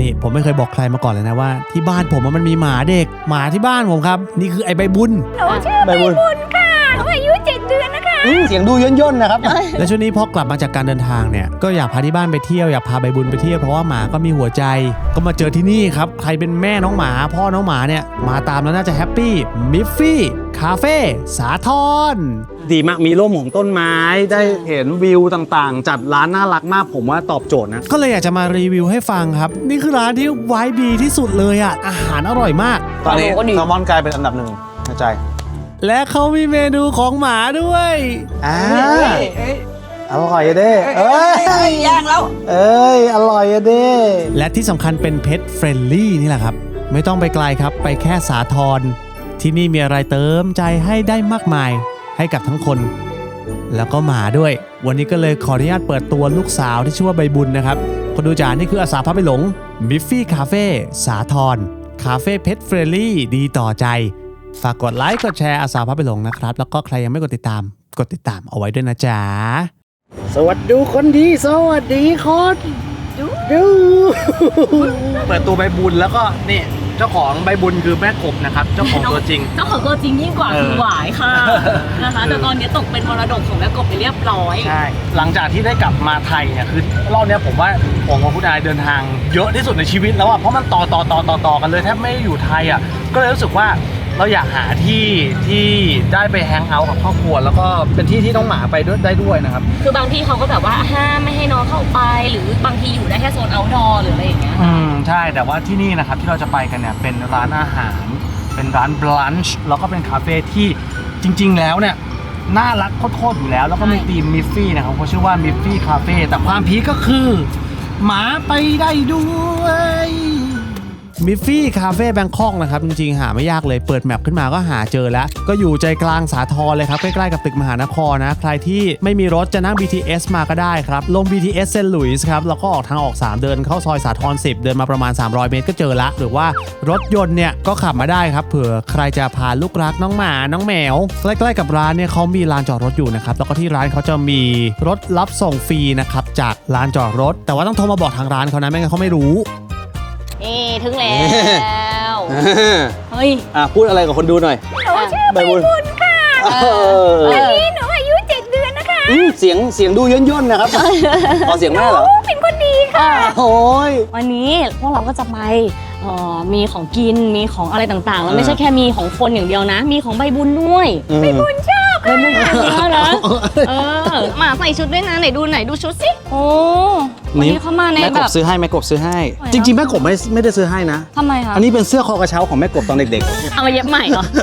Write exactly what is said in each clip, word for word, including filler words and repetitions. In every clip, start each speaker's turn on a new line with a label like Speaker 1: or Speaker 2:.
Speaker 1: นี่ผมไม่เคยบอกใครมาก่อนเลยนะว่าที่บ้านผมมันมีหมาเด็กหมาที่บ้านผมครับนี่คือไอ้ใบบุญ
Speaker 2: หนูชื่อใบบุญค่ะหนูอายุเจ็ดเดือนนะคะ
Speaker 3: เสียงดูย่นย่นนะครับ
Speaker 1: และช่วงนี้พอกลับมาจากการเดินทางเนี่ยก็อยากพาที่บ้านไปเที่ยวอยากพาใบบุญไปเที่ยวเพราะว่าหมาก็มีหัวใจก็มาเจอที่นี่ครับใครเป็นแม่น้องหมาพ่อน้องหมาเนี่ยมาตามแล้วน่าจะแฮปปี้มิฟฟี่คาเฟ่สาทร
Speaker 3: ดีมากมีร่มของต้นไม้ได้เห็นวิวต่างๆจัดร้านน่ารักมากผมว่าตอบโจทย์นะ
Speaker 1: ก็เลยอยากจะมารีวิวให้ฟังครับนี่คือร้านที่ไวบ์ดีที่สุดเลยอ่ะอาหารอร่อยมาก
Speaker 3: ตอนนี้แซลมอนกลายเป็นอันดับหนึ่งในใจ
Speaker 1: และเขามีเมนูของหมาด้วย
Speaker 3: อ่าอร่อยเด้เอ้ย
Speaker 2: ย่างแล้ว
Speaker 3: เอ้ยอร่อยเด้
Speaker 1: และที่สำคัญเป็นเพทเฟรนลี่นี่แหละครับไม่ต้องไปไกลครับไปแค่สาทรที่นี่มีอะไรเติมใจให้ได้มากมายให้กับทั้งคนแล้วก็หมาด้วยวันนี้ก็เลยขออนุญาตเปิดตัวลูกสาวที่ชื่อว่าใบบุญนะครับคนดูจ๋านี่คืออาสาพาไปหลงมิฟฟี่คาเฟ่สาทรคาเฟ่เพทเฟรนลี่ดีต่อใจฝากกดไลค์กดแชร์อาสาพาไปหลงนะครับแล้วก็ใครยังไม่กดติดตามกดติดตามเอาไว้ด้วยนะจ๊ะ
Speaker 3: สวัสดีคนดีสวัสดีคนดูดูเปิดตัวใบบุญแล้วก็นี่เจ้าของใบบุญคือแม่กบนะครับเจ้าของตัวจริง
Speaker 4: เจ้าของตัวจริงยิ่งกว่าคือหวายค่ะนะคะแต่ตอนนี้ตกเป็นมรดกของแม่กบไปเรียบร้อย
Speaker 3: ใช่หลังจากที่ได้กลับมาไทยเนี่ยคือรอบนี้ผมว่าผมกับคุณนายเดินทางเยอะที่สุดในชีวิตแล้วอ่ะเพราะมันต่อต่อต่อต่อต่อกันเลยแทบไม่อยู่ไทยอ่ะก็เลยรู้สึกว่าเราอยากหาที่ที่ได้ไปแฮงเอาท์กับครอบครัวแล้วก็เป็นที่ที่น้องหมาไปด้วยได้ด้วยนะครับ
Speaker 4: คือบางที่เขาก็แบบว่าห้ามไม่ให้น้องเข้าไปหรือบางทีอยู่ได้แค่โซนเอาท์ดอร์หรืออะไรอย่างเงี้ย
Speaker 3: อืมใช่แต่ว่าที่นี่นะครับที่เราจะไปกันเนี่ยเป็นร้านอาหารเป็นร้านบลันช์แล้วก็เป็นคาเฟ่ที่จริงๆแล้วเนี่ยน่ารักโคตรๆอยู่แล้วแล้วก็มีธีมมิฟฟี่นะครับเขาชื่อว่ามิฟฟี่คาเฟ่แต่ความพีคก็คือหมาไปได้ด้วย
Speaker 1: มิฟฟี่คาเฟ่แบงคอกนะครับจริงๆหาไม่ยากเลยเปิดแมปขึ้นมาก็หาเจอแล้วก็อยู่ใจกลางสาทรเลยครับใกล้ๆกับตึกมหานครนะใครที่ไม่มีรถจะนั่ง บี ที เอส มาก็ได้ครับลง บี ที เอส เซนต์หลุยส์ครับแล้วก็ออกทางออกสามเดินเข้าซอยสาทรสิบเดินมาประมาณสามร้อยเมตรก็เจอละหรือว่ารถยนต์เนี่ยก็ขับมาได้ครับเผื่อใครจะพาลูกรักน้องหมาน้องแมวใกล้ๆกับร้านเนี่ยเขามีลานจอดรถอยู่นะครับแล้วก็ที่ร้านเขาจะมีรถรับส่งฟรีนะครับจากลานจอดรถแต่ว่าต้องโทรมาบอกทางร้านเขานะไม่งั้นเขาไม่รู้
Speaker 4: นี่ถึงแล้วเฮ้ย
Speaker 3: อ่ะพูดอะไรกับคนดูหน่อย
Speaker 2: หนูชื่อใบบุญค่ะตอนนี้หนูอายุเจ็ดเดือนนะคะ
Speaker 3: เสียงเสียงดูย่นย่นนะครับขอเสียงแม่เหรอ
Speaker 2: เป็นคนดีค่ะ
Speaker 3: โอ้ย
Speaker 4: วันนี้พวกเราก็จะไปมีของกินมีของอะไรต่างๆแล้วไม่ใช่แค่มีของคนอย่างเดียวนะมีของใบบุญด้วย
Speaker 2: ใบบุญชอบ
Speaker 4: ใบบุญชอบนะเออมาใส่ชุดด้วยนะไหนดูไหนดูชุดสิโอ้วันนี้เขามาในแบบ
Speaker 3: แม่กบซื้อให้แม่กบซื้อให้จริงๆแม่กบไม่ไม่ได้ซื้อให้นะ
Speaker 4: ทำไมคะ
Speaker 3: อันนี้เป็นเสื้อคอกระเช้าของแม่กบตอนเด็ก
Speaker 4: ๆเอามาเย็บใหม่เหรอ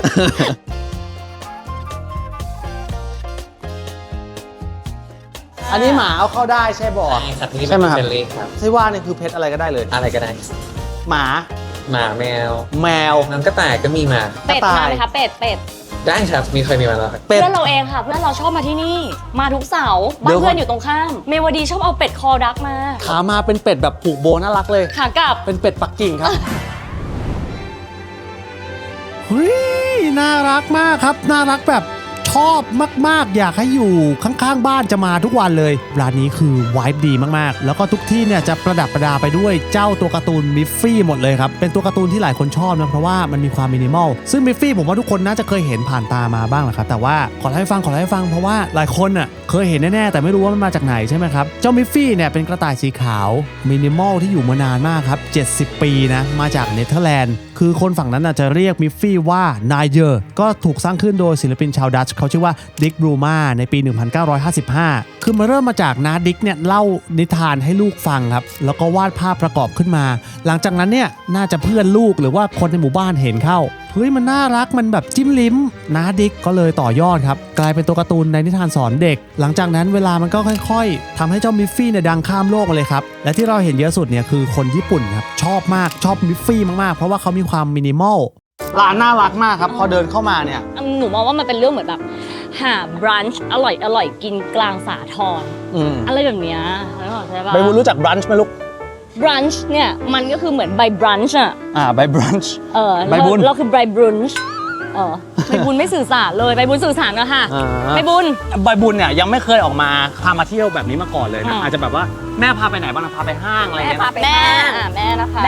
Speaker 3: อันนี้หมาเอาเข้าได้ใช่บ่
Speaker 5: ใช่ไหมครับ
Speaker 3: ใช่ว่านี่คือเพชรอะไรก็ได้เลย
Speaker 5: อะไรก็ได้
Speaker 3: หมา
Speaker 5: หมาแมว
Speaker 3: แมว
Speaker 5: น้ำกระต่ายก็มีมา
Speaker 4: เป็ดมาไหมคะเป็ดเป็ด
Speaker 5: ได้ครับมีเคยมีมาแล้ว
Speaker 4: เพื่อนเราเองค่ะเพื่อนเราชอบมาที่นี่มาทุกเสาร์บ้านเพื่อนอยู่ตรงข้ามเมวดีชอบเอาเป็ดคอดักมา
Speaker 3: ขามาเป็นเป็ดแบบผูกโบน่ารักเลย
Speaker 4: ขากลับ
Speaker 3: เป็นเป็ดปักกิ่งครับ
Speaker 1: เฮ้ยน่ารักมากครับน่ารักแบบชอบมากๆอยากให้อยู่ข้างๆบ้านจะมาทุกวันเลยร้านนี้คือไวบ์ดีมากๆแล้วก็ทุกที่เนี่ยจะประดับประดาไปด้วยเจ้าตัวการ์ตูนมิฟฟี่หมดเลยครับเป็นตัวการ์ตูนที่หลายคนชอบนะเพราะว่ามันมีความมินิมอลซึ่งมิฟฟี่ผมว่าทุกคนน่าจะเคยเห็นผ่านตามาบ้างแหละครับแต่ว่าขอเล่าให้ฟังขอเล่าให้ฟังเพราะว่าหลายคนอ่ะเคยเห็นแน่ๆแต่ไม่รู้ว่ามันมาจากไหนใช่ไหมครับเจ้ามิฟฟี่เนี่ยเป็นกระต่ายสีขาวมินิมอลที่อยู่มานานมากครับเจ็ดสิบปีนะมาจากเนเธอร์แลนด์คือคนฝั่งนั้นจะเรียกมิฟฟี่ว่านายเยอร์ก็ถูกสร้างขึ้นโดยศิลปินชาวดัตช์เขาชื่อว่าดิกบรูมาในปีหนึ่งพันเก้าร้อยห้าสิบห้าคือมาเริ่มมาจากน้าดิกเนี่ยเล่านิทานให้ลูกฟังครับแล้วก็วาดภาพประกอบขึ้นมาหลังจากนั้นเนี่ยน่าจะเพื่อนลูกหรือว่าคนในหมู่บ้านเห็นเข้าเฮ้ยมันน่ารักมันแบบจิ้มลิ้มน้าดิกก็เลยต่อยอดครับกลายเป็นตัวการ์ตูนในนิทานสอนเด็กหลังจากนั้นเวลามันก็ค่อยๆทำให้เจ้ามิฟฟี่เนี่ยดังข้ามโลกมาเลยครับและที่เราเห็นเยอะสุดเนี่ยคือคนญี่ปุ่นครับชอบมากชอบมิฟฟี่มากๆเพราะว่าเขามีความมินิมอล
Speaker 3: ร้านน่ารักมากครับพอเดินเข้ามาเนี่ย
Speaker 4: หนูมองว่ามันเป็นเรื่องเหมือนแบบหาบรันช์อร่อยอร่อยกินกลางสาทรอะไรแบบเนี้ยใช่ป่ะ
Speaker 3: ใบบุญรู้จักบรันช์ไหมลูก
Speaker 4: บรันช์เนี่ยมันก็คือเหมือนใบบรันช์อ่ะ
Speaker 3: อ่าใบบรันช์
Speaker 4: เออใบบุญเราคือใบบรันช์เออใบบุญไม่สื่อสารเลยใบบุญสื่อสารนะค่ะใบบุญ
Speaker 3: ใบบุญเนี่ยยังไม่เคยออกมาพามาเที่ยวแบบนี้มาก่อนเลยนะอาจจะแบบว่าแม่พาไปไหนบ้างนะพาไปห้างอะไรเงี้ย
Speaker 4: แม่แม่แม่นะคะแม่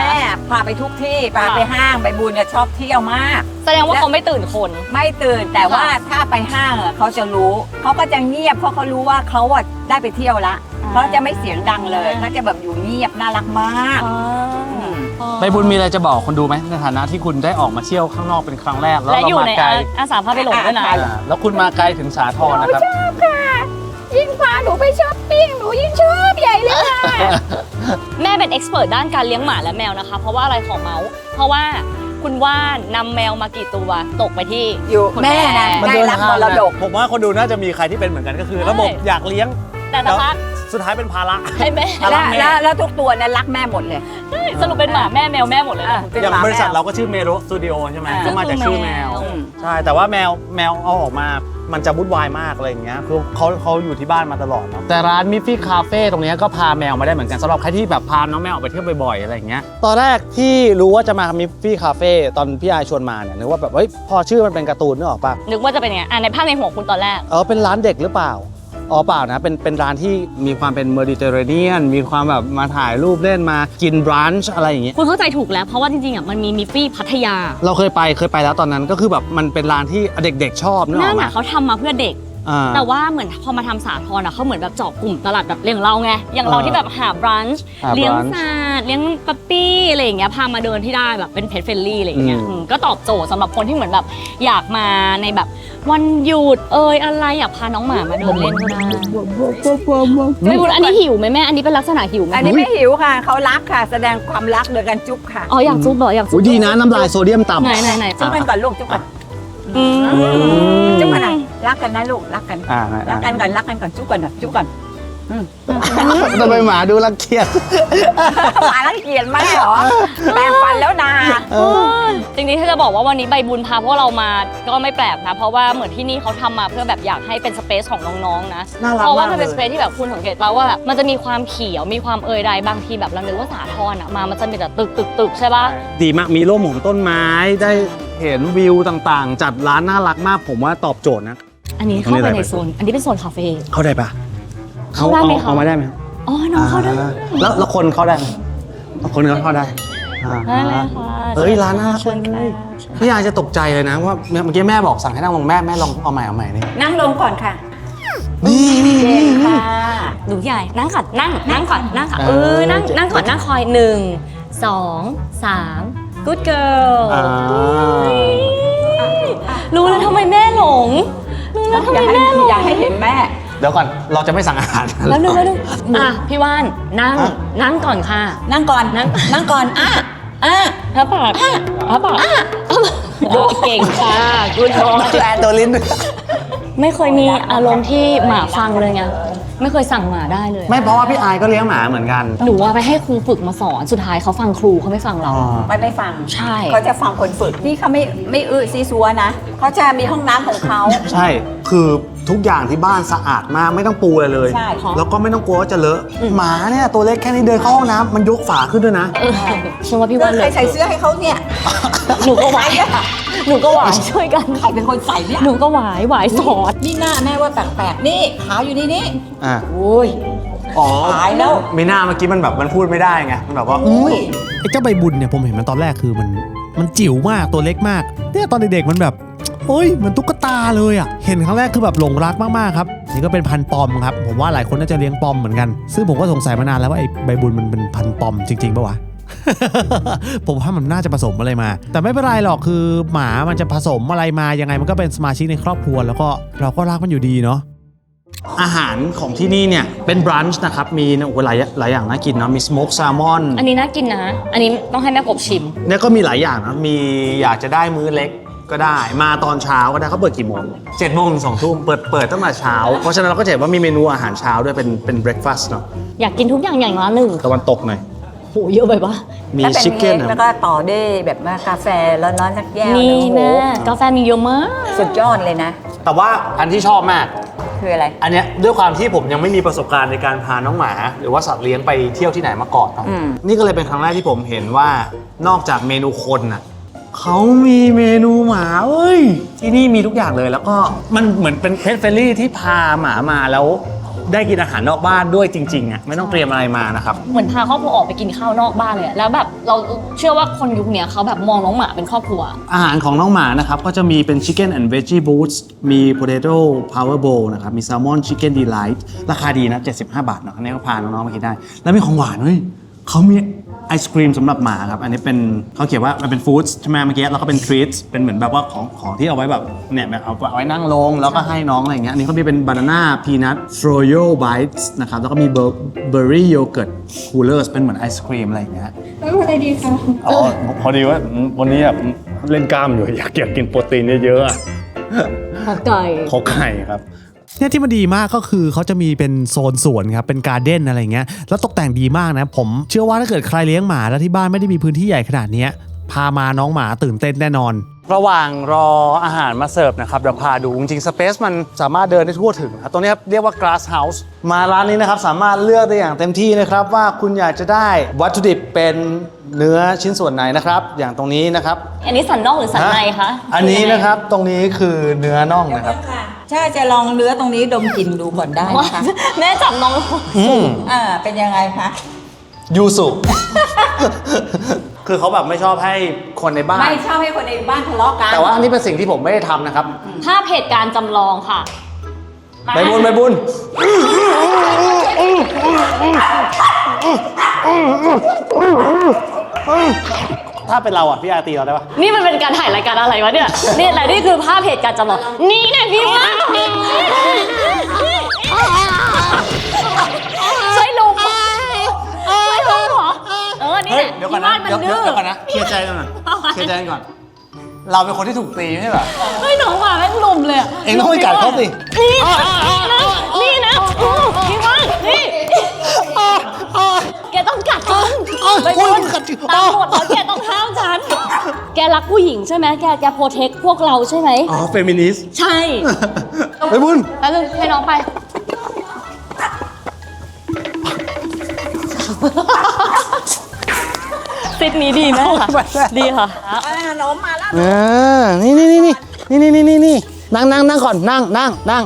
Speaker 2: พาไปทุกที่พาไปห้างไปบุญเนี่ยชอบเที่ยวมาก
Speaker 4: แสดงว่าเขาไม่ตื่นคน
Speaker 2: ไม่ตื่นแต่ว่าถ้าไปห้างอะเขาจะรู้เขาก็จะเงียบเพราะเขารู้ว่าเขาอะได้ไปเที่ยวละเขาจะไม่เสียงดังเลยเขาจะแบบอยู่เงียบน่ารักมากม
Speaker 3: ใบบุญมีอะไรจะบอกคนดูไหมในฐานะที่คุณได้ออกมาเที่ยวข้างนอกเป็นครั้งแรกแล้ว
Speaker 4: และ
Speaker 3: เรา
Speaker 4: อยู่
Speaker 3: มา
Speaker 4: ใน
Speaker 3: ไกล
Speaker 4: อาสาพาไปหลงด้วยนะ
Speaker 3: อ่าแล้วคุณมาไกลถึงสาทรนะครับ
Speaker 2: ชอบค่ะยิ่งพาหนูไปช้อปปิ้งหนูยิ่งชอบใหญ่เลยค่ะ
Speaker 4: แม่เป็นเอ็กซ์เพรสด้านการเลี้ยงหมาและแมวนะคะ เพราะว่าอะไรของเมาส์เพราะว่าคุณว่านนำแมวมากี่ตัวตกไปที่
Speaker 2: อยู่
Speaker 4: คุณ
Speaker 2: แม่นะ
Speaker 3: มัน
Speaker 2: ได้
Speaker 3: เดิน
Speaker 2: รับ
Speaker 3: ทาง
Speaker 2: มรดก
Speaker 3: ผมว่าคนดูน่าจะมีใครที่เป็นเหมือนกันก็คือ
Speaker 4: ใช่
Speaker 3: ระบบอยากเลี้ยง
Speaker 4: แต่สักพัก
Speaker 3: สุดท้ายเป็นภาระ
Speaker 4: ให้แม่
Speaker 3: รั
Speaker 2: แล้
Speaker 3: ก
Speaker 2: ว
Speaker 3: แม่
Speaker 2: แล้วแล้วทุกตัวเนี่ยรักแม่หมดเลย
Speaker 4: สรุปเป็นหมาแม่แมวแม่หมดเลยนะ
Speaker 2: เป็น
Speaker 3: อย่าง
Speaker 2: หม
Speaker 3: บริษัท
Speaker 2: แมว
Speaker 3: เราก็ชื่อเมโรสตูดิโอใช่ไหม
Speaker 4: อ่า
Speaker 3: ก็มาจากชื่อแมว
Speaker 4: อืม
Speaker 3: ใช่แต่ว่าแมวแมวเอาออกมามันจะวุ่นวายมากอะไรอย่างเงี้ยคือเขาเขาอยู่ที่บ้านมาตลอดเนาะแต่ร้านมิฟฟี่คาเฟ่ตรงเนี้ยก็พาแมวมาได้เหมือนกันสำหรับใครที่แบบพาน้องแมวออกไปเที่ยวบ่อยๆอะไรอย่างเงี้ยตอนแรกที่รู้ว่าจะมามิฟฟี่คาเฟ่ตอนพี่อายชวนมาเนี่ยนึกว่าแบบเฮ้ยพอชื่อมันเป็นการ์ตูนนึกออกปะ
Speaker 4: นึกว่าจะเป็นยังไงอ่ะในภาพในหัวคุณตอนแรก
Speaker 3: เออเป็นร้านเด็กหรือเปล่าอ๋อเปล่านะเป็นเป็นร้านที่มีความเป็นเมดิเตอร์เรเนียนมีความแบบมาถ่ายรูปเล่นมากินบรันช์อะไรอย่างเงี้ย
Speaker 4: คุณเข้าใจถูกแล้วเพราะว่าจริงๆอ่ะมันมีมิฟฟี่พัทยา
Speaker 3: เราเคยไปเคยไปแล้วตอนนั้นก็คือแบบมันเป็นร้านที่เด็กๆชอบนึกอ
Speaker 4: นั่
Speaker 3: อก
Speaker 4: น
Speaker 3: ไหม
Speaker 4: น่ะเขาทำมาเพื่อเด็ก
Speaker 3: อ่า
Speaker 4: แต่ว่าเหมือนพอมาทำสาทรอ่ะเขาเหมือนแบบเจาะกลุ่มตลาดแบบเลี้ยงเราไงอย่างเรา
Speaker 3: อ่า
Speaker 4: ที่แบบหาบรันช์
Speaker 3: หา
Speaker 4: เลี้ยง
Speaker 3: brunch
Speaker 4: สัตว์เลี้ยงปั๊ปปี้อะไรอย่างเงี้ยพามาเดินที่ได้แบบเป็นเพจเฟรนลี่อะไรอย่างเงี้ย
Speaker 3: อืม
Speaker 4: อืมก็ตอบโจทย์สำหรับคนที่เหมือนแบบอยากมาในแบบวันหยุดเอยอะไรอยากพาน้องหมามาเดินเล่นก็ได้ไม่รู้อันนี้หิวไหมแม่อันนี้เป็นลักษณะหิวไหม
Speaker 2: อันนี้ไม่หิวค่ะเขารักค่ะ แสดงความรักโดยการจุ๊บค่ะ
Speaker 4: อ๋ออยากจุ๊บเหรออยากจุ๊
Speaker 3: อุ้
Speaker 4: บ
Speaker 3: ยดีนะน้ำลายโซเดียมต่ำ
Speaker 4: ไหนไหนไหน
Speaker 2: จุ๊บกันก่อนลูกจุ๊บกัน
Speaker 4: อืม
Speaker 2: จุ๊บกันนะรักกันนะลูกรักกัน
Speaker 3: อ่า
Speaker 2: รักกันก่อนรักกันก่อนจุ๊บกันนะจุ๊บกัน
Speaker 3: ทำไมหมาดูรังเกียจ
Speaker 2: หมารังเกียจไหมเหรอแปรงฟันแล้วนา
Speaker 4: จริงๆถ้าจะบอกว่าวันนี้ใบบุญพาพวกเรามาก็ไม่แปลกนะ เพราะว่าเหมือนที่นี่เขาทำมาเพื่อแบบอยากให้เป็นสเปซของน้องๆนะ
Speaker 3: น่ารัก
Speaker 4: เพราะว่ามัน
Speaker 3: มากเลย
Speaker 4: เป็นสเปซที่แบบคุณสังเกตป่าว่าแบบมันจะมีความเขียวมีความเอยใดบางทีแบบเรานึกว่าสาทรอ่ะมามันจะมีแต่ตึกตึกตึกใช่ปะ
Speaker 3: ดีมากมีร่มของต้นไม้ได้เห็นวิวต่างๆ จัดร้านน่ารักมากผมว่าตอบโจทย์นะ
Speaker 4: อันนี้เข้าไปในโซนอันนี้เป็นโซนคาเฟ่
Speaker 3: เข้าได้ปะ
Speaker 4: เข้าได้ไหมคะ
Speaker 3: เอามาได้ไหม
Speaker 4: อ๋อน้องเข้าได้
Speaker 3: อ่แล้วแล้วคนเข้าได้ไหมคนเขาเข้าได้อ่า
Speaker 4: ได้เลยค่ะ
Speaker 3: เฮ้ยร้านน่ารัก
Speaker 4: เชิญ
Speaker 3: เล
Speaker 4: ค่ะ
Speaker 3: ยพี่ยายจะตกใจเลยนะว่าเมื่อกี้แม่บอกสั่งให้นั่งลงแม่แม่ลองเอาใหม่เอาใหม่นี่
Speaker 2: นั่งลงก่อนค่ะ
Speaker 3: นี่นี่
Speaker 2: เก่งค่ะ
Speaker 4: หนูใหญ่นั่งก่อนนั่งนั่งก่อนนั่งก่อน
Speaker 3: เอ
Speaker 4: เอ
Speaker 3: อ
Speaker 4: อนั่งนั่งก่อนนั่งคอยหนึ่งสองสาม good girl
Speaker 3: อ่า
Speaker 4: รู้แล้วทำไมแม่หลง รู้แล้วทำ
Speaker 2: อ
Speaker 4: ไม
Speaker 2: ย่าให้
Speaker 4: แม่หลง
Speaker 2: อย่าให้เห็นแม่
Speaker 3: เดี๋ยวก่อนเราจะไม่สั่งอาหาร
Speaker 4: แล้วนึงแล้วนึงอ่ะพี่ว่านนั่งนั่งก่อนค่ะ
Speaker 2: นั่งก่อนนั่งนั่งก่อนอ่ะอ่ะ
Speaker 4: พระปากพระปากเก่งค่ะกูชอบ
Speaker 3: แปลตัวลิ้น
Speaker 4: ไม่เคยมีอารมณ์ที่หมาฟังเลยไงไม่เคยสั่งหมาได้เลย
Speaker 3: ไม่เพราะว่าพี่อายก็เลี้ยงหมาเหมือนกัน
Speaker 4: หนูว่าไปให้ครูฝึกมาสอนสุดท้ายเขาฟังครูเขาไม่ฟังเรา
Speaker 2: ไม่ไม่ฟัง
Speaker 4: ใช่
Speaker 2: เขาจะฟังคนฝึกนี่เขาไม่ไม่อื้อซีซัวนะเขาจะมีห้องน้ำของเขา
Speaker 3: ใช่ คือทุกอย่างที่บ้านสะอาดมากไม่ต้องปูอะไรเลย
Speaker 2: ใช่
Speaker 3: แล้วก็ไม่ต้องกลัวว่าจะเลอะ หมาเนี่ยตัวเล็กแค่นี้เดินเข้าห้องน้ำมันยกฝาขึ้นด้วยนะ
Speaker 4: เออฉันว่าพี่
Speaker 2: เพื่
Speaker 4: ว่า
Speaker 2: อ
Speaker 4: เล
Speaker 2: ใคร
Speaker 4: ย
Speaker 2: ใส่เสื้อให้เขาเนี่ย
Speaker 4: หนูก็หวายหนูก็หวายช่วยกัน
Speaker 2: ใครเป็นคนใส่เนี่ย
Speaker 4: หนูก็หวายหวายสอน
Speaker 2: นี่หน้าแม่ว่าแปลกๆนี่ขาอยู่นี่นี่
Speaker 3: อ่า
Speaker 2: โอ้ย
Speaker 3: อ๋อ
Speaker 2: ตายแล้ว
Speaker 3: ไม่น่าเมื่อกี้มันแบบมันพูดไม่ได้ไง มันแบบว่า
Speaker 2: อุ้ย
Speaker 1: ไอ้เจ้าใบบุญเนี่ยผมเห็นมันตอนแรกคือมันมันจิ๋วมากตัวเล็กมากเนี่ยตอนเด็กๆมันแบบเฮ้ยเหมันตุ๊กตาเลยอ่ะเห็นครั้งแรกคือแบบหลงรักมากๆครับนี่ก็เป็นพันธุ์ปอมครับผมว่าหลายคนน่าจะเลี้ยงปอมเหมือนกันซึ่งผมก็สงสัยมานานแล้วว่าไอ้ใบบุญมันเป็นพันธุ์ปอมจริงๆปะวะ ผมว่ามันน่าจะผสมอะไรมา แต่ไม่เป็นไรหรอกคือหมามันจะผสมอะไรมายังไงมันก็เป็นสมาชิกในครอบครัวแล้วก็เราก็รักมันอยู่ดีเนาะ
Speaker 3: อาหารของที่นี่เนี่ยเป็นบรันช์นะครับ มีโอ้โหหลายหลายอย่างน่ากินเนาะ มีสโมกแซลมอน
Speaker 4: อันนี้น่ากินนะ อันนี้ต้องให้แม่กบชิม
Speaker 3: เนี่ยก็มีหลายอย่างนะ มีอยากจะได้มื้อเล็กก็ได้ มาตอนเช้าก็ได้เขาเปิดกี่โมงเจ็ดโมงถึงสองทุ่มเปิดเปิดตั้งแต่เช้า เพราะฉะนั้นเราก็จะเห็นว่ามีเมนูอาหารเช้าด้วยเป็นเป็นเบรคฟาสต์เนาะ
Speaker 4: อยากกินทุกอย่างอย่างละหนึ่ง
Speaker 3: ตะวันตกหน่อย
Speaker 4: โหเยอะไปปะ
Speaker 3: มี
Speaker 2: ถ้าเป็น
Speaker 3: ชิคเก้น
Speaker 2: ค้กแล้วก็ต่อด้วยแบบว่ากาแฟร้อนๆสักแก้ว
Speaker 4: นี่
Speaker 2: โอ้โห
Speaker 4: แม่กาแฟมีเยอะมาก
Speaker 2: สุดยอดเลยนะ
Speaker 3: แต่ว่าอันที่ชอบมาก
Speaker 2: คืออะไร
Speaker 3: อันเนี้ยด้วยความที่ผมยังไม่มีประสบการณ์ในการพาน้องหมา หรือว่าสัตว์เลี้ยงไปเที่ยวที่ไหนมาก่อนเนาะ
Speaker 2: อืม
Speaker 3: นี่ก็เลยเป็นครั้งแรกที่ผมเห็นว่านอกจากเมนูคนน่ะเขามีเมนูหมาเว้ยที่นี่มีทุกอย่างเลยแล้วก็มันเหมือนเป็นเพ t เฟรนลี่ที่พาหมามาแล้วได้กินอาหารนอกบ้านด้วยจริงๆอ่ะไม่ต้องเตรียมอะไรมานะครับ
Speaker 4: เหมือนพาครอบครัวออกไปกินข้าวนอกบ้านเลยอะแล้วแบบเราเชื่อว่าคนยุคเนี้ยเขาแบบมองน้องหมาเป็นครอบครัว
Speaker 3: อาหารของน้องหมานะครับก็จะมีเป็น Chicken and Veggie Boots มี Potato Power Bowl นะครับมี Salmon Chicken Delight ราคาดีนะเจ็ดสิบห้าบาทเนาะอันนี้ก็พาน้องๆมากินได้แล้วมีของหวานด้วยเขามีไอศครีมสำหรับหมาครับอันนี้เป็นเขาเขียนว่ามันเป็นฟู้ดใช่ไหมเมื่อกี้แล้วก็เป็นทรีตเป็นเหมือนแบบว่าของของที่เอาไว้แบบเนี่ยแบบเอาไว้นั่งลงแล้วก็ให้น้องอะไรอย่างเงี้ยอันนี้เขามีเป็นบานาน่าพีนัทฟรอโยไบต์นะครับแล้วก็มีเบอร์เบอร์รี่โยเกิร์ตคูลเลอร์เป็นเหมือนไอศครีมอะไรอย่างเงี้ย
Speaker 6: อะไรดีคะ
Speaker 7: อ๋อพอดีว่าวันนี้แบบเล่นกล้ามอยู่อยากอยากกินโปรตีนเยอะๆอะ
Speaker 4: ขอไก่
Speaker 7: ขอไข่ครับ
Speaker 1: เนี่ยที่มันดีมากก็คือเขาจะมีเป็นโซนสวนครับเป็นการ์เด้นอะไรเงี้ยแล้วตกแต่งดีมากนะผมเชื่อว่าถ้าเกิดใครเลี้ยงหมาแล้วที่บ้านไม่ได้มีพื้นที่ใหญ่ขนาดเนี้ยพามาน้องหมาตื่นเต้นแน่นอน
Speaker 3: ระหว่างรออาหารมาเสิร์ฟนะครับเดี๋ยวพาดูจริงๆสเปซมันสามารถเดินได้ทั่วถึงครับตรงนี้ครับเรียกว่า glass house มาร้านนี้นะครับสามารถเลือกได้อย่างเต็มที่นะครับว่าคุณอยากจะได้วัตถุดิบเป็นเนื้อชิ้นส่วนไหนนะครับอย่างตรงนี้นะครับ
Speaker 4: อันนี้สันนอกหรือสันในคะ
Speaker 3: อันนี้นะครับตรงนี้คือเนื้อน่องนะครับ
Speaker 2: ถ้าจะลองเนื้อตรงนี้ดมกลิ่นดูก่อนได้
Speaker 4: ว่า
Speaker 2: นะคะ
Speaker 4: แม่จับน้อง
Speaker 3: อืม
Speaker 2: อ่าเป็นยังไงคะ
Speaker 3: ยูสุ คือเขาแบบไม่ชอบให้คนในบ้าน
Speaker 2: ไม่ชอบให้คนในบ้านทะเลาะกัน
Speaker 3: แต่ว่าอันนี้เป็นสิ่งที่ผมไม่ได้ทำนะครับ
Speaker 4: ภาพเหตุการณ์จำลองค่ะ
Speaker 3: ใบบุญใบบุญ ถ้าเป็นเราอ่ะพี่อาตีเราได้ปะ
Speaker 4: นี่มันเป็นการถ่ายรายการอะไรวะเนี่ย นี่แหละนี่คือภาพเหตุการณ์จำลอง นี่เนี่ยพี่ว่าใช่ลุงใช่ลุงเหรอ เออ นี่แหละ
Speaker 3: เดี๋ยวก่อน
Speaker 4: พี่
Speaker 3: นะ
Speaker 4: ว่ามัน
Speaker 3: เดี๋ยว
Speaker 4: ดื้อ
Speaker 3: เดี๋ยวก่อนนะเคลียร์ใจกันหน่อยเคลียร์ใจกันก่อน เราเป็นคนที่ถูกตีไม่ใช่เหรอ
Speaker 4: เฮ้ยน้องหมาแม่งลุมเลยะ
Speaker 3: เองต้องไปกัดเขาสิ
Speaker 4: นี่นะนี่นะอู้พี่ว่านี่แกต้องกัดฉัน
Speaker 1: อ้าว
Speaker 4: ไป
Speaker 1: โอ้ย
Speaker 4: โดน
Speaker 1: กัดจริง
Speaker 4: ตามกฎแล้วแกต้องห้ามฉัน แกรักผู้หญิงใช่ไหมแกแกโปรเทคพวกเราใช่ไหม
Speaker 3: อ๋อเฟมินิสต์
Speaker 4: ใช่
Speaker 3: ใบบุญ
Speaker 4: แล้วนึงให้น้องไป ซิดนี้ดีไหมคะดีค่ะ
Speaker 2: อ่าน้องมาแล้ว
Speaker 3: เออนี่นี่นี่นี่นี่นี่นี่นี่นั่งนั่งนั่งก่อนนั่งนั่งนั่ง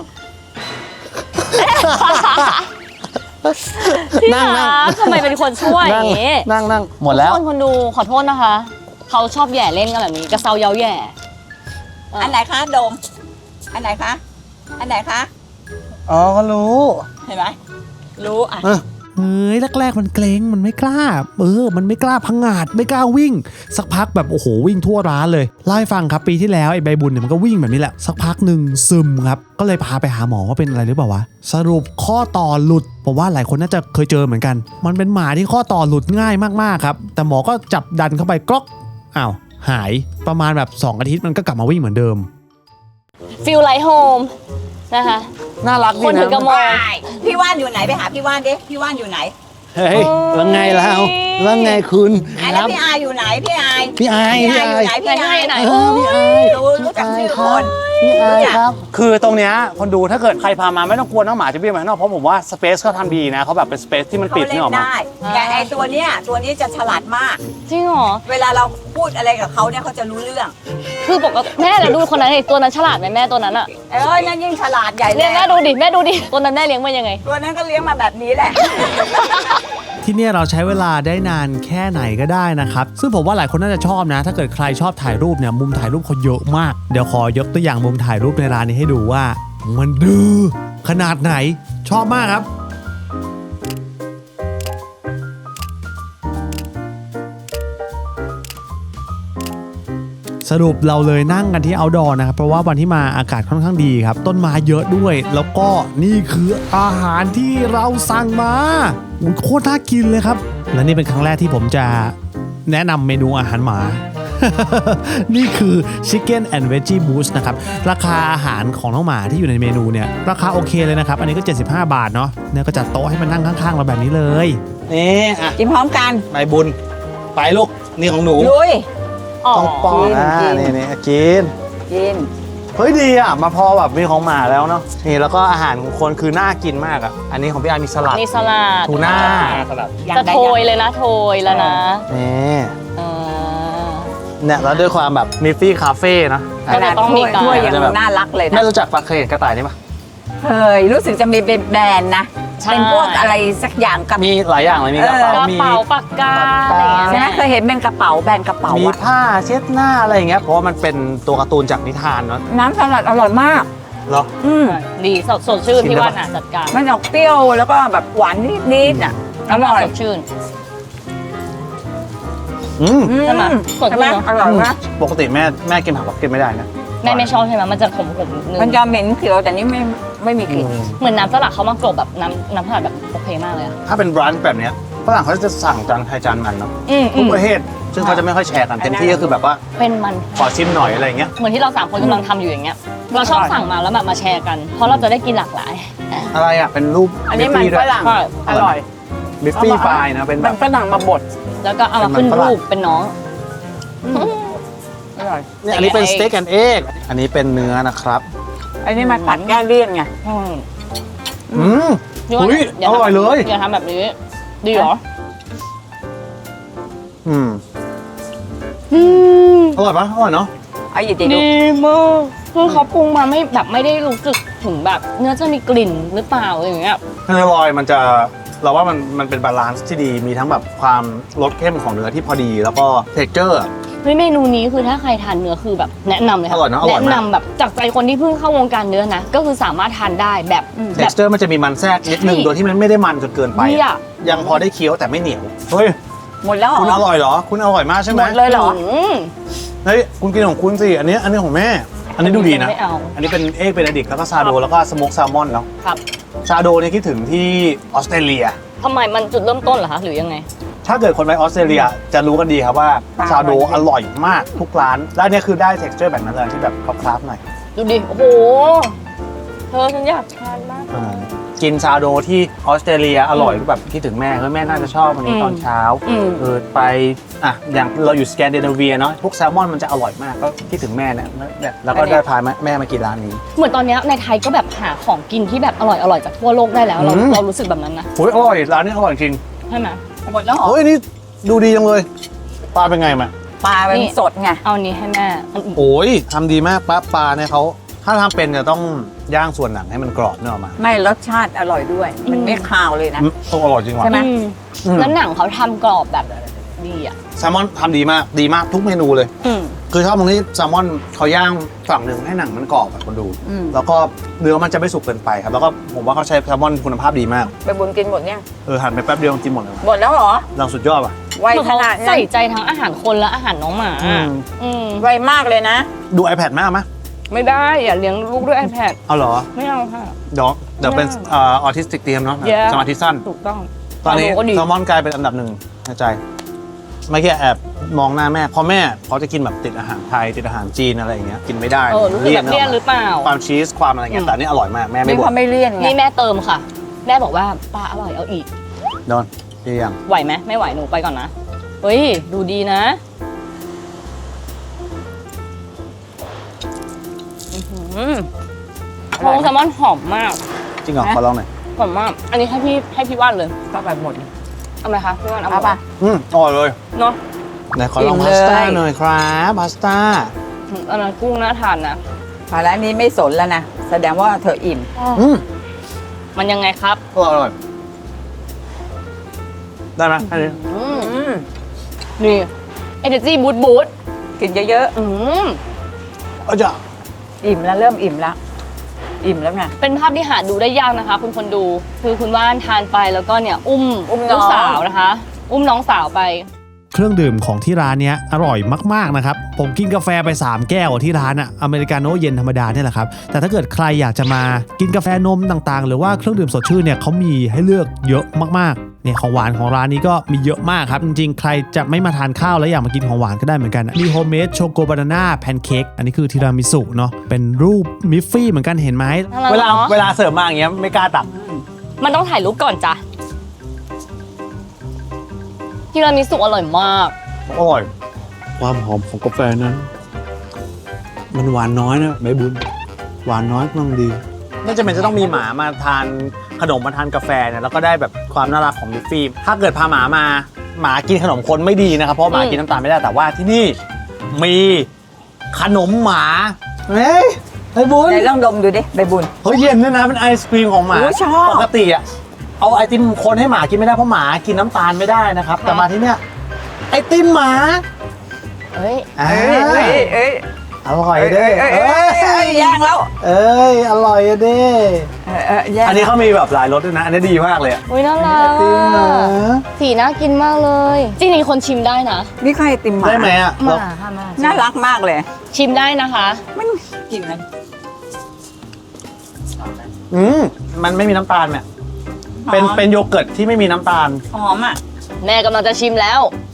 Speaker 4: พี่
Speaker 3: นั่งนั่ง
Speaker 4: รักทำไมเป็นคนช่วยอย่างนี้
Speaker 3: นั่งนั่งหมดแล้ว
Speaker 4: คนคนดูขอโทษนะคะ เขาชอบแย่เล่นกันแบบนี้กระเซาเย้าแย่
Speaker 2: อันไหนคะดม อันไหนคะ อันไหนคะ
Speaker 3: อ๋อก็รู้
Speaker 2: เห็นไหมรู้อ่ะ
Speaker 1: เฮ้ยแรกๆมันเกรงมันไม่กล้าเออมันไม่กล้าพังงาดไม่กล้าวิ่ง สักพักแบบโอ้โหวิ่งทั่วร้านเลยเล่าให้ฟังครับปีที่แล้วไอ้ใบบุญเนี่ยมันก็วิ่งแบบนี้แหละสักพักหนึ่งซึมครับก็เลยพาไปหาหมอว่าเป็นอะไรหรือเปล่าวะสรุปข้อต่อหลุดผมว่าหลายคนน่าจะเคยเจอเหมือนกัน มันเป็นหมาที่ข้อต่อหลุดง่ายมากๆครับแต่หมอก็จับดันเข้าไปกรอกอ้าวหายประมาณแบบสองอาทิตย์มันก็กลับมาวิ่งเหมือนเดิม
Speaker 4: ฟิลไลท์โฮมนะคะ
Speaker 3: น่ารักดี
Speaker 4: คนถึงกระ
Speaker 3: นะ
Speaker 4: มอง
Speaker 2: พี่ว่านอยู่ไหนไปหาพี่ว่านดิ พี่ว่านอยู่ไหน
Speaker 3: เฮ้ยแล้วไงแล้วแล้วไงคุณ
Speaker 2: อ่ะแล้วพี่อายอยู่ไหน พี่อาย
Speaker 3: พี่อาย
Speaker 2: พี่อายอยู่ไหน พี่อาย
Speaker 4: ไหน
Speaker 3: เออพี่อาย
Speaker 2: รู้รู้จักชื่อคน
Speaker 3: พี่อายครับ คือตรงเนี้ยคนดูถ้าเกิดใครพามาไม่ต้องกลัวน้องหมาจะวิ่งไปข้างนอกเพราะผมว่าสเปซเขาทำดีนะเขาแบบเป็นสเปซที่มัน
Speaker 2: เขา
Speaker 3: ปิด
Speaker 2: เล่
Speaker 3: นี่ออก
Speaker 2: น
Speaker 3: มา
Speaker 2: ได้แต่ไอตัวเนี้ยตัวนี้จะฉลาดมาก
Speaker 4: จริงเหรอ
Speaker 2: เวลาเราพูดอะไรกับเขาเนี่ยเขาจะรู้เรื่อง
Speaker 4: คือปกติแม่แต่ดูคนนั้นไอ้ตัวนั้นฉลาดไหมแม่ตัวนั้นอะ
Speaker 2: เอ้ยนั่นยิ่งฉลาดใหญ่เล
Speaker 4: เนี่ย
Speaker 2: ย
Speaker 4: แม่ดูดิแม่ดูดิตัวนั้นแม่เลี้ยงมายังไง
Speaker 2: ตัวนั้นก็เลี้ยงมาแบบนี้แหละ
Speaker 1: ที่เนี่ยเราใช้เวลาได้นานแค่ไหนก็ได้นะครับ ซึ่งผมว่าหลายคนน่าจะชอบนะ ถ้าเกิดใครชอบถ่ายรูปเนี่ยมุมถ่ายรูปเขาเยอะมาก เดี๋ยวขอยกตัวอย่างมุมถ่ายรูปในร้านนี้ให้ดูว่า มันดื้อขนาดไหนชอบมากครับ สรุปเราเลยนั่งกันที่ outdoor นะครับเพราะว่าวันที่มาอากาศค่อนข้างดีครับ ต้นไม้เยอะด้วย แล้วก็นี่คืออาหารที่เราสั่งมาอุ๊ยโคตรน่ากินเลยครับ และนี่เป็นครั้งแรกที่ผมจะแนะนำเมนูอาหารหมา นี่คือ Chicken and Veggie Boost นะครับ ราคาอาหารของน้องหมาที่อยู่ในเมนูเนี่ย ราคาโอเคเลยนะครับ อันนี้ก็เจ็ดสิบห้าบาทเนาะเนี่ยก็จัดโต๊ะให้มันนั่งข้างๆเราแบบนี้เลย
Speaker 3: นี่อ่ะ
Speaker 2: กินพร้อมกัน
Speaker 3: ใบบุญไปลูกนี่ของหนู
Speaker 2: ลุย
Speaker 4: อ๋อ
Speaker 3: ต้องป้อนอ่ะ
Speaker 2: กิน
Speaker 3: นี่นี่กิน
Speaker 2: กิน
Speaker 3: เฮ้ยดีอ่ะมาพอแบบมีของหมาแล้วเนาะนี่แล้วก็อาหารของคนคือน่ากินมากอ่ะอันนี้ของพี่อาร์มีสลัด
Speaker 4: นี่สลัด
Speaker 3: ทูน่า
Speaker 4: จะโทยเลยนะโทยแล้วนะ
Speaker 3: นี่
Speaker 4: เออ
Speaker 3: เนี่ยแล้วด้วยความแบบมิฟฟี่คาเฟ่นะ
Speaker 4: ก็จะต้องมีการ
Speaker 2: ถ้วยยัง
Speaker 3: จะแบบ
Speaker 2: น่ารักเลย
Speaker 3: แม่
Speaker 2: นะ
Speaker 3: รู้จักปลาเคยเห็นกระต่ายนี่ปะ
Speaker 2: เคยรู้สึกจะมีเป็นแบรนด์นะ
Speaker 4: ใช่
Speaker 2: เป็นพวกอะไรสักอย่างกับ
Speaker 3: มีหลายอย่างเลยมีกระเป๋าก
Speaker 4: ระ
Speaker 3: มี
Speaker 4: เป๋าปากกาอะไรอย่างเงี้ย
Speaker 2: ใช่ไหมเคยเห็นเป็นกระเป๋าแบรนด์กระเป๋า
Speaker 3: มี
Speaker 2: อะ
Speaker 3: ผ้าเช็ดหน้าอะไรอย่างเงี้ยเพราะว่ามันเป็นตัวการ์ตูนจากนิทานเนาะ
Speaker 2: น้ำสลัดอร่อยมาก
Speaker 3: เหรอ
Speaker 2: อืม
Speaker 4: ดีสดสดชื่น
Speaker 3: ชิม
Speaker 4: พี่
Speaker 3: ได้
Speaker 4: ว่า
Speaker 3: ปะ
Speaker 4: น่ะจัดการ
Speaker 2: มันออกเปรี้ยวแล้วก็แบบหวานนิดๆอ่ะอร่อย
Speaker 4: สดชื่น
Speaker 3: อืม
Speaker 2: อื
Speaker 4: ใช่ไหมสด
Speaker 2: ใช่ไหม
Speaker 4: ชื่นเนอะ
Speaker 2: อร่อยมาก
Speaker 3: ปกติแม่แม่กินผักกับกินไม่ได้นะ
Speaker 4: แม่ไม่ชอบใช่ไหมมันจะขมขมๆนึง
Speaker 2: มันจะเหม็นเขียวแต่นี่ไม่ไม่มีกลิ่น
Speaker 4: เหมือนน้ำสลัดเขามากรบแบบน้ำน้ำสลัดแบบโอเคมากเลยอะ
Speaker 3: ถ้าเป็นร้านแบบเนี้ยฝรั่งเขาจะสั่งจานใครจานมันเนาะ
Speaker 4: อืม
Speaker 3: ทุกประเทศซึ่งเขาจะไม่ค่อยแชร์กันเต็มที่ก็คือแบบว่า
Speaker 4: เป็นมัน
Speaker 3: ขอชิมหน่อยอะไรอย่างเงี้ย
Speaker 4: เหมือนที่เราสามคนกำลังทำอยู่อย่างเงี้ย เราชอบสั่งมาแล้วแบบมาแชร์กัน เพราะเราจะได้กินหลากหลาย
Speaker 3: อะไรอ่ะเป็นรูป
Speaker 2: อันนี้มันฝรั่ง
Speaker 4: ใช่
Speaker 2: อร่อย
Speaker 3: บิฟฟี่ฟายนะเป็นแบ
Speaker 2: มัน
Speaker 3: บ
Speaker 2: ฝรั่งมาบด
Speaker 4: แล้วก็เอามาขึ้นรูปเป็นน้อง
Speaker 2: อร่อย
Speaker 3: เนี่ยอันนี้เป็นสเต็กแอนด์เอ็กอันนี้เป็นเนื้อนะครับ
Speaker 2: อันนี้มันผัดแก้เลี่ยนไง
Speaker 4: อืม
Speaker 3: อืม
Speaker 4: พี่ว่า
Speaker 3: อุ๊ย
Speaker 4: อย่าทำ
Speaker 3: อร่อยเลย
Speaker 4: อย่าทำแบบนี้ ดีเหรอ
Speaker 3: อืม
Speaker 4: อืม
Speaker 3: อร่อยปะอร่อยเนาะ
Speaker 2: เอาหยิบดิ
Speaker 4: ดีมากคือเขาปรุงมาไม่แบบไม่ได้รู้สึกถึงแบบเนื้อจะมีกลิ่นหรือเปล่าอะไรอย่างเงี้ย
Speaker 3: เนื้อลอยมันจะเราว่ามันมันเป็นบาลานซ์ที่ดีมีทั้งแบบความรสเข้มของเนื้อที่พอดี แล้วก็เท็กเจอร์
Speaker 4: เฮ้ยเมนูนี้คือถ้าใครทานเนื้อคือแบบแนะนำเลยค่ะ
Speaker 3: อร่อยนะอร่อยมาก
Speaker 4: แนะนำแบบจากใจคนที่เพิ่งเข้าวงการเนื้อนะ ก็คือสามารถทานได้แบบ
Speaker 3: เท็
Speaker 4: แบ
Speaker 3: ก
Speaker 4: บ
Speaker 3: เจอร์มันจะมีมันแทรกนิดนึง
Speaker 4: ใช่
Speaker 3: โดยที่มันไม่ได้มันจนเกินไป
Speaker 4: ดีอ่ะ
Speaker 3: ยังพอได้เคี้ยวแต่ไม่เหนียวเฮ้ย
Speaker 2: หมดแล้วเหร
Speaker 3: คุณอ
Speaker 2: อ
Speaker 3: ร่อยเหรอคุณอร่อยมากใช่ไห
Speaker 2: ห
Speaker 3: ม
Speaker 2: มดเลยเหรอ
Speaker 4: ม
Speaker 3: เฮ้ยคุณกินของคุณสิอันนี้อันนี้ของแม่ อันนี้ดูดีนะ
Speaker 4: ไม่เอา
Speaker 3: อันนี้เป็นเอ็กเบเนดิกแล้วก็ซาโดแล้วก็สโมกแซลมอนเนาะ
Speaker 4: ครับ
Speaker 3: ซาโดเนี่ยคิดถึงที่ออสเตรเลีย
Speaker 4: ทำไมมันจุดเริ่มต้นเหรอคะหรือยังไง
Speaker 3: ถ้าเกิดคนไปออสเตรเลียจะรู้กันดีครับว่า
Speaker 2: ปลา
Speaker 3: ซาโด
Speaker 2: อร่อย
Speaker 3: อร่อยมากทุกร้านและเนี่ยคือได้ texture แบบนั้นเลยที่แบบคราฟๆหน่อย
Speaker 4: ดูดิ โอ้โห เธอฉันอยากทานมาก
Speaker 3: อ่ากินซาโดที่ออสเตรเลียอร่อยก็แบบคิดถึงแม่เฮ้ยแม่น่าจะชอบวันนี้
Speaker 4: อืม
Speaker 3: ตอนเช้า
Speaker 4: อืม
Speaker 3: เออไปอ่ะอย่างเราอยู่สแกนดิเนเวียเนาะพวกแซลมอนมันจะอร่อยมากก็คิดถึงแม่เนี่ยเนี่ยแล้วก็ได้พาแม่มากินร้านนี้
Speaker 4: เหมือนตอนเนี้ยในไทยก็แบบหาของกินที่แบบอร่อยอร่อยจากทั่วโลกได้แล้ว เรา
Speaker 3: อืม
Speaker 4: เรารู้สึกแบบนั้นนะ
Speaker 3: โอ้ยอร่อยร้านนี้อร่อยจริง
Speaker 4: ใช่ไหม
Speaker 2: หมดแล้วเหรอ
Speaker 3: โอ้ยนี่ดูดีจังเลยปลาเป็นไงมา
Speaker 2: ปลาเป็น
Speaker 4: นี่
Speaker 2: สดไง
Speaker 4: เอานี้ให้แม่อันอื่น
Speaker 3: โอ้ยทำดีมากปลาปลาเนี่ยเขาถ้าทำเป็นจะต้องย่างส่วนหนังให้มันกรอบเนี่ยออกมา
Speaker 2: ไม่รสชาติอร่อยด้วย มันไม่คาวเลยนะ
Speaker 3: อืมต้องอร่อยจริงว่ะ
Speaker 2: ใช่ไหม
Speaker 4: อืม
Speaker 3: อืม
Speaker 4: แล้วหนังเขาทำกรอบแบบดีอ่ะ
Speaker 3: แซลมอนทำดีมากดีมากทุกเมนูเลย
Speaker 4: อืม
Speaker 3: คือชอบตรงที่แซลมอนเขาย่างฝั่งหนึ่งให้หนังมันกรอบแบบคนดู
Speaker 2: อืม
Speaker 3: แล้วก็เนื้อมันจะไม่สุกเกินไปครับ แล้วก็ผมว่าเขาใช้แซลมอนคุณภาพดีมาก
Speaker 2: ไปบุญกินหมดเนี่ยง
Speaker 3: เออหั่นไปแป๊บเดียวกินหมดเลย
Speaker 2: หมดแล้วเหรอ
Speaker 3: เราสุดยอดว่ะ
Speaker 2: ไว
Speaker 4: คือ
Speaker 2: ข
Speaker 4: เขา
Speaker 2: นาดนั้
Speaker 4: ใส่
Speaker 2: น
Speaker 4: ใจทั้งอาหารคนและอาหารน้องหมา
Speaker 3: อืม
Speaker 4: อืม
Speaker 2: ไวมากเลยนะ
Speaker 3: ดู iPad มากไหม
Speaker 4: ไม่ได้อย่าเลี้ยงลูกด้วย iPad
Speaker 3: เอาเหรอ
Speaker 4: ไม่เอาค่ะ
Speaker 3: เดี๋ยวเดี๋ยวเป็น
Speaker 4: ไม่
Speaker 3: เออทิสติกเตรียมเนาะ
Speaker 4: Yeah
Speaker 3: สมาธิสั้น
Speaker 4: ถูกต้อง
Speaker 3: ตอนนี้
Speaker 4: ก็ดี
Speaker 3: แซลมอนกลายเป็นอันดับหนึ่งในใจเมื่อกี้แอบมองหน้าแม่เพราะแม่เขาจะกินแบบติดอาหารไทยติดอาหารจีนอะไรอย่างเงี้ยกินไม่ได้
Speaker 4: เออรู้สึกแบบเลี่ยนหรือเปล่า
Speaker 3: ความชีสความอะไรเงี้ยแต่อันนี่อร่อยมากแม่ไม่
Speaker 2: นี่
Speaker 3: บ่
Speaker 2: เขา
Speaker 3: น
Speaker 2: ไม่เลี่ยนไง
Speaker 4: นี่แม่เติมค่ะ แม่บอกว่าปลาอร่อยเอาอีก
Speaker 3: โดนดียัง
Speaker 4: ไหวไหมไม่ไหวหนูไปก่อนนะ เฮ้ย ดูดีนะอื้อหือโอ้แซลมอนหอมมาก
Speaker 3: จริงเหรอขอลองหน่อย
Speaker 4: หอมมาก อันนี้ให้พี่ให้พี่ว่านเลย
Speaker 2: ก็ไปหมด
Speaker 4: เอาไหมคะพี่ว่านเอา
Speaker 2: เอา
Speaker 4: หมด
Speaker 2: ป่ะ
Speaker 3: อืมอร่อยเลย
Speaker 4: เนาะ
Speaker 3: ไหนขอลอง
Speaker 2: อิ่ม
Speaker 3: พาสต้า
Speaker 2: เลย
Speaker 3: หน่อยครับพาสต้า
Speaker 4: อันนั้นกุ้งน่าทานนะ
Speaker 2: มาแล้วนี้ไม่สนแล้วนะ แสดงว่าเธออิ่ม
Speaker 3: อืม
Speaker 4: มันยังไงครับ
Speaker 3: อร่อยอร่อยได้ไหมอันนี้
Speaker 4: อืม
Speaker 2: อืม
Speaker 4: นี่เอเนจีบูทบูท
Speaker 2: กินเยอะ
Speaker 4: อืม
Speaker 3: เอาจะ
Speaker 2: ๆ อิ่มแล้วเริ่มอิ่มแล้ว อิ่มแล้วไง
Speaker 4: เป็นภาพที่หาดูได้ยากนะคะ คุณคนดู คือคุณว่านทานไปแล้วก็เนี่ยอุ้ม
Speaker 2: อุ้มน้อง
Speaker 4: ลูกสาวนะคะ อุ้มน้องสาวไป
Speaker 1: เครื่องดื่มของที่ร้านเนี้ยอร่อยมากๆนะครับผมกินกาแฟไปสามแก้วที่ร้านอะอเมริกาโน่เย็นธรรมดาเนี่ยแหละครับแต่ถ้าเกิดใครอยากจะมากินกาแฟนมต่างๆ หรือว่าเครื่องดื่มสดชื่นเนี่ยเขามีให้เลือกเยอะมากๆเนี่ยของหวานของร้านนี้ก็มีเยอะมากครับจริงๆใครจะไม่มาทานข้าวแล้วอยากมากินของหวานก็ได้เหมือนกันมีโฮมเมดโชโกบานาน่าแพนเค้กอันนี้คือทีรามิสุเนาะเป็นรูปมิฟฟี่เหมือนกันเห็นไหม
Speaker 3: เวลาเวลาเสิร์ฟมาอย่างเงี้ยไม่กล้าตัก
Speaker 4: มันต้องถ่ายรูปก่อนจ้ะทีรามิสุอร่อยมาก
Speaker 3: อร่อยความหอมของกาแฟนั้น มันหวานน้อยนะใบบุญหวานน้อยกำลังดีไม่จำเป็นจะต้องมีหมามาทานขนมมาทานกาแฟเนี่ยแล้วก็ได้แบบความน่ารักของมิฟฟี่ถ้าเกิดพาหมามาหมากินขนมคนไม่ดีนะครับเพราะหมากินน้ำตาลไม่ได้แต่ว่าที่นี่มีขนมหมาเฮ้ย
Speaker 1: ไอ้บุญ
Speaker 2: ไหนลองดมดูดิใบบุญ
Speaker 1: เฮ้ยเย็นด้วยนะเป็นไอศครีมของหมา
Speaker 2: โอ้ชอบ
Speaker 1: ปกติอ่ะเอาไอติมคนให้หมากินไม่ได้เพราะหมากินน้ำตาลไม่ได้นะครับ แต่มาที่เนี้ยไอติมหมา
Speaker 4: เอ้ย
Speaker 1: อ่า
Speaker 2: เอ้ยเอ้ย
Speaker 1: อร่อยเด้
Speaker 2: เอ้ยเอ้ยเอ้ยย่างแล้ว
Speaker 1: เอ้ยอร่อยเด้
Speaker 2: เออเออย่าง
Speaker 1: อันนี้เขามีแบบหลายรสด้วยนะ อันนี้ดีมากเลยอะ
Speaker 4: อุ้ยน่ารัก
Speaker 1: ไอติมหมา
Speaker 4: สีน่ากินมากเลย จริงๆคนชิมได้นะ
Speaker 2: นี่ใครติมหมา
Speaker 1: ได้ไหมอ่ะ
Speaker 4: ห
Speaker 1: เรา
Speaker 4: มาค่ะหมา
Speaker 2: น่ารักมากเลย
Speaker 4: ชิมได้นะคะ
Speaker 2: มันกินมัน
Speaker 1: อืมมันไม่มีน้ำตาลเนี่ยเป็นเป็นโยเกิร์ตที่ไม่มีน้ำตาล
Speaker 2: หอมอ่ะ
Speaker 4: แม่กำลังจะชิมแล้ว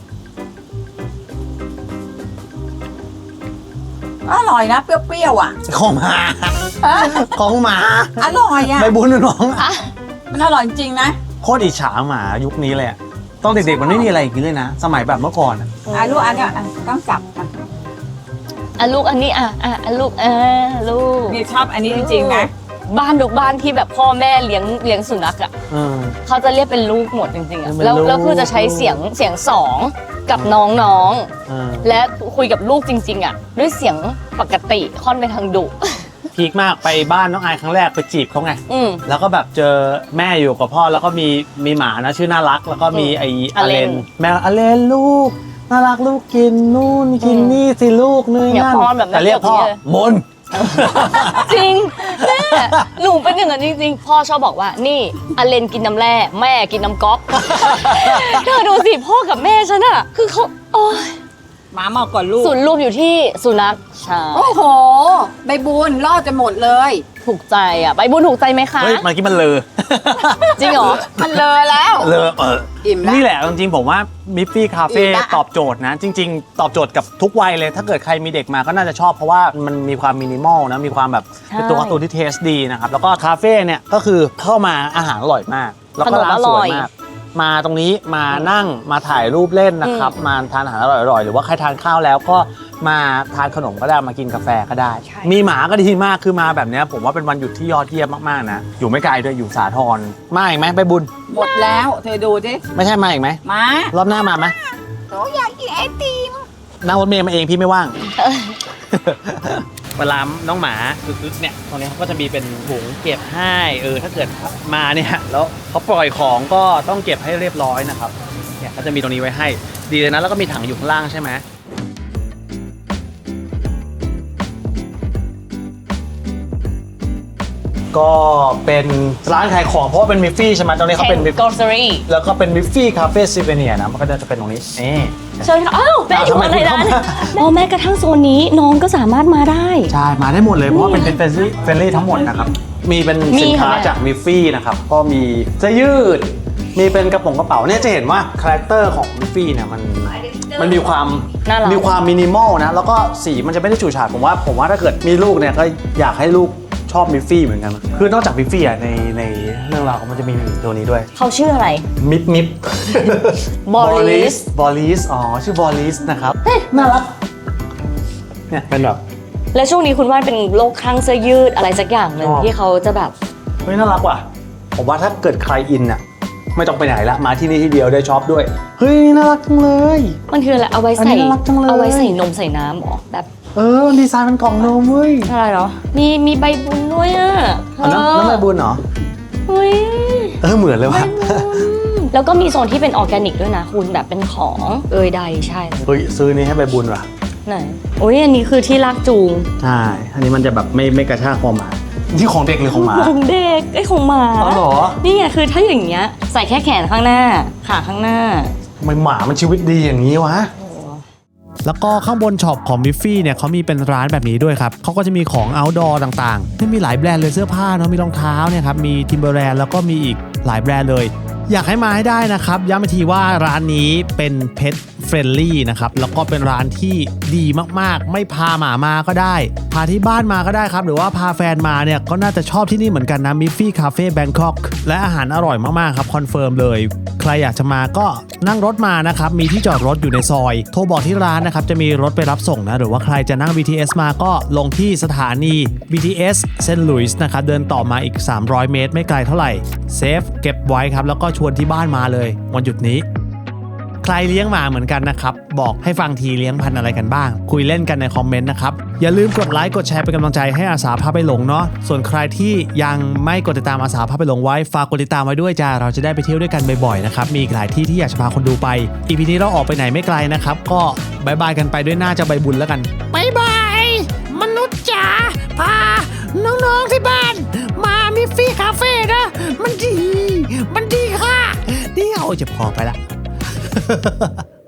Speaker 2: อร่อยนะเปรี้ยวๆอ่ะ
Speaker 1: ของหมาของหมา
Speaker 2: อร่อยอ่ะ
Speaker 1: ใบบุญน้อง
Speaker 2: มันอร่อยจริงนะ
Speaker 1: โคตรอิจฉาหมายุคนี้เลยอะตอนเด็กๆมันไม่มีอะไรอย่างนี้เลยนะ สมัยแบบเมื่อก่อนอะ
Speaker 2: อ่ะลูกอันเนี้ยอ่ะต้องจับอ่ะ
Speaker 4: อ่ะลูกอันนี้อ่ะอ่ะอ่ะลูกอ่ะลูก
Speaker 2: นี่ชอบอันนี้จริงๆนะ
Speaker 4: บ้านทุกบ้านที่แบบพ่อแม่เลี้ยงเลี้ยงสุนัขอ่ะ
Speaker 1: เออ
Speaker 4: เขาจะเรียกเป็นลูกหมดจริงๆอ่ะ
Speaker 1: เป็น
Speaker 4: แล้ว
Speaker 1: ลูก
Speaker 4: แล้วคือจะใช้เสียงเสียงสองกับน้อง
Speaker 1: เออ
Speaker 4: ๆและคุยกับลูกจริง ๆ อ่ะ ด้วยเสียงปกติค่อนไปทางดุ
Speaker 1: พีคมากไปบ้านน้องไอายครั้งแรกไปจีบเขาไง
Speaker 4: อืม
Speaker 1: แล้วก็แบบเจอแม่อยู่กับพ่อแล้วก็มีมีหมานะชื่อน่ารัก แล้วก็มี
Speaker 4: อืม
Speaker 1: ไอ
Speaker 4: อ
Speaker 1: อ
Speaker 4: เล
Speaker 1: เล
Speaker 4: น
Speaker 1: นแมวอเลนลูกน่ารักลูกกินนู่นกิน
Speaker 4: อืม
Speaker 1: นี่สิลูกนี่
Speaker 4: อย่า
Speaker 1: นั่น
Speaker 4: ป้อนแบบนั้น
Speaker 1: แต่เรียกพ่อ
Speaker 4: แบบนี้เลย
Speaker 1: มน
Speaker 4: จริงแม่หนูเป็นอย่างนั้นจริงๆ พ่อชอบบอกว่านี่อเลนกินน้ำแร่แม่กินน้ำก๊อก เธอดูสิพ่อกับแม่ฉันอะคือเขาโอ้ย
Speaker 2: หมาเมาก่อนลูก
Speaker 4: ศูนย์รวมอยู่ที่สุนัขใช่
Speaker 2: โอ้โห ใบบุญรอดจะหมดเลย
Speaker 4: ถูกใจอะใบบุญถูกใจไหมคะ
Speaker 1: เฮ้ยเมื่อกี้มันเลอ
Speaker 4: จริงเหรอ
Speaker 2: มันเลยแล้ว
Speaker 1: เลอเออ
Speaker 2: อิ่มแล้ว
Speaker 1: นี่แหละจริงๆผมว่ามิฟฟี่คาเฟ่
Speaker 2: อิ่มละ
Speaker 1: ตอบโจทย์นะ จริง ๆ ตอบโจทย์กับทุกวัยเลย ถ้าเกิดใครมีเด็กมาก็น่าจะชอบเพราะว่ามันมีความมินิมอลนะมีความแบบเป็นตัวการ์ตูนที่เทสดีนะครับแล้วก็คาเฟ่เนี่ยก็คือเข้ามาอาหารอร่อยมาก แล้วก็ร้านสวยมาก มาตรงนี้มานั่งมาถ่ายรูปเล่นนะครับ มาทานอาหารอร่อยๆหรือว่าใครทานข้าวแล้วก็มาทานขนมก็ได้มากินกาแฟก็ได้ มีหมาก็ดีมากคือมาแบบเนี้ยผมว่าเป็นวันหยุดที่ยอดเยี่ยมมากๆนะอยู่ไม่ไกลด้วยอยู่สาทรมาอีกไหมไปบุญ
Speaker 2: หมดแล้วเธอดูดิ
Speaker 1: ไม่ใช่มาอีกไหม
Speaker 2: มาร
Speaker 1: อบหน้ามาไหม
Speaker 2: หนูอยากกินไอติม
Speaker 1: นั่งรถเมล์มาเองพี่ไม่ว่าง เวลาน้องหมาอึกๆเนี่ยตรงนี้เขาก็จะมีเป็นถุงเก็บให้เออถ้าเกิดมาเนี่ยแล้วเขาปล่อยของก็ต้องเก็บให้เรียบร้อยนะครับเนี่ยก็จะมีตรงนี้ไว้ให้ดีเลยนะแล้วก็มีถังอยู่ข้างล่างใช่ไหมก็เป็นร้านขายของเพราะว่าเป็นมิฟฟี่ใช่ไหมตรงนี้เขาเป็น
Speaker 4: กอร์ซอรี่
Speaker 1: แล้วก็เป็นมิฟฟี่คาเฟ่ซิเวเนียนะมันก็จะเป็นตรงนี้นี่
Speaker 4: เชิญค่ะอ้าวแม่อยู่อะไรนะ
Speaker 1: ทำไมคุณเข้ามา
Speaker 4: อ๋อแม่กระทั่งโซนนี้น้องก็สามารถมาได้
Speaker 1: ใช่ มาได้หมดเลย เพราะว่าเป็นเป็นเฟรนลี่เฟรนลี่ทั้งหมดนะครับ มีเป็น
Speaker 4: มี
Speaker 1: สินค้า
Speaker 4: ค่ะแม่
Speaker 1: จากมิฟฟี่นะครับ ก็มีเสื้อยืด มีเป็นกระโปรงกระเป๋าเนี่ยจะเห็นว่าคาแรคเตอร์ของมิฟฟี่เนี่ยมันมันมีความ
Speaker 4: น่ารัก
Speaker 1: มีความมินิมอลนะ แล้วก็สีมันจะไม่ได้ฉูดฉาดผมว่าผมว่าถ้าเกิดมีลูกเนี่ยก็อยากให้ลูกชอบมิฟฟี่เหมือนกัน คือนอกจากมิฟฟี่อ่ะในในเรื่องราวมันจะมีตัวนี้ด้วย
Speaker 4: เขาชื่ออะไร
Speaker 1: มิฟมิฟ
Speaker 4: Boris
Speaker 1: บอลิสอ๋อชื่อบอลิสนะครับน่ารักเนี่ยเป็นแบบ
Speaker 4: และช่วงนี้คุณว่านเป็นโรคคลั่งเสื้อยืดอะไรสักอย่างหนึ่ง
Speaker 1: อ๋อ
Speaker 4: ที่เขาจะแบบ
Speaker 1: เฮ้ยน่ารักว่ะ ผมว่าถ้าเกิดใครอินน่ะไม่ต้องไปไหนละมาที่นี่ที่เดียวได้ช็อปด้วย เฮ้ยน่ารักจังเลย
Speaker 4: มันคืออะไรเอาไว้
Speaker 1: อัน
Speaker 4: ใส่
Speaker 1: นี้น่ารักจังเลย
Speaker 4: เอาไว้ใส่นมใส่น้ำเหรอแบบ
Speaker 1: เออดีไซน์เป็นกล่องนมเว้ย
Speaker 4: อะไรเหรอมีมีใบบุญด้วยอ่ะ
Speaker 1: อันนั้นน้ำใบบุญเหรอ
Speaker 4: เฮ้ย
Speaker 1: เออเหมือนเลยว่ะ
Speaker 4: แล้วก็มีโซนที่เป็นออร์แกนิกด้วยนะคุณแบบเป็นของเอยใดใช่
Speaker 1: เฮ้ยซื้อนี้ให้ใบบุญว่ะ
Speaker 4: ไหนโอ้ยอันนี้คือที่ลากจูง
Speaker 1: ใช่อันนี้มันจะแบบไม่ไม่กระชากคอหมาที่ของเด็กหรือของหมา
Speaker 4: ของเด็กไอ้ยของหมา
Speaker 1: อ๋อเหรอ
Speaker 4: นี่ไงคือถ้าอย่างเงี้ยใส่แค่แขนข้างหน้าขาข้างหน้า
Speaker 1: ทำไมหมามันชีวิตดีอย่างนี้วะ แล้วก็ข้างบนช็อปของมิฟฟี่เนี่ยเขามีเป็นร้านแบบนี้ด้วยครับเขาก็จะมีของ outdoor ต่างๆที่มีหลายแบรนด์เลยเสื้อผ้าเนาะมีรองเท้าเนี่ยครับมี Timberland แล้วก็มีอีกหลายแบรนด์เลย อยากให้มาให้ได้นะครับย้ำอีกทีว่าร้านนี้เป็น Pet Friendly นะครับแล้วก็เป็นร้านที่ดีมากๆไม่พาหมามาก็ได้พาที่บ้านมาก็ได้ครับหรือว่าพาแฟนมาเนี่ยก็น่าจะชอบที่นี่เหมือนกันนะ Miffy Cafe Bangkok และอาหารอร่อยมากๆครับคอนเฟิร์มเลยใครอยากจะมาก็นั่งรถมานะครับมีที่จอดรถอยู่ในซอยโทรบอกที่ร้านนะครับจะมีรถไปรับส่งนะหรือว่าใครจะนั่ง บี ที เอส มาก็ลงที่สถานี บี ที เอส เซนต์หลุยส์นะครับเดินต่อมาอีกสามร้อยเมตรไม่ไกลเท่าไหร่เซฟเก็บไว้ครับแล้วก็ชวนที่บ้านมาเลยวันหยุดนี้ใครเลี้ยงหมาเหมือนกันนะครับบอกให้ฟังทีเลี้ยงพันธุ์อะไรกันบ้างคุยเล่นกันในคอมเมนต์นะครับอย่าลืมกดไลค์กดแชร์เป็นกำลังใจให้อาสาพาไปหลงเนาะส่วนใครที่ยังไม่กดติดตามอาสาพาไปหลงไว้ฝากกดติดตามไว้ด้วยจ้าเราจะได้ไปเที่ยวด้วยกันบ่อยๆนะครับมีอีกหลายที่ที่อยากจะพาคนดูไป อี พี นี้เราออกไปไหนไม่ไกลนะครับก็บายบายกันไปด้วยหน้าจะใบบุญแล้วกันบายบายมนุษย์จ๋าพาน้องๆที่บ้านมามิฟฟี่คาเฟ่นะมันดีมันดีค่ะเดี๋ยวจะพอไปละ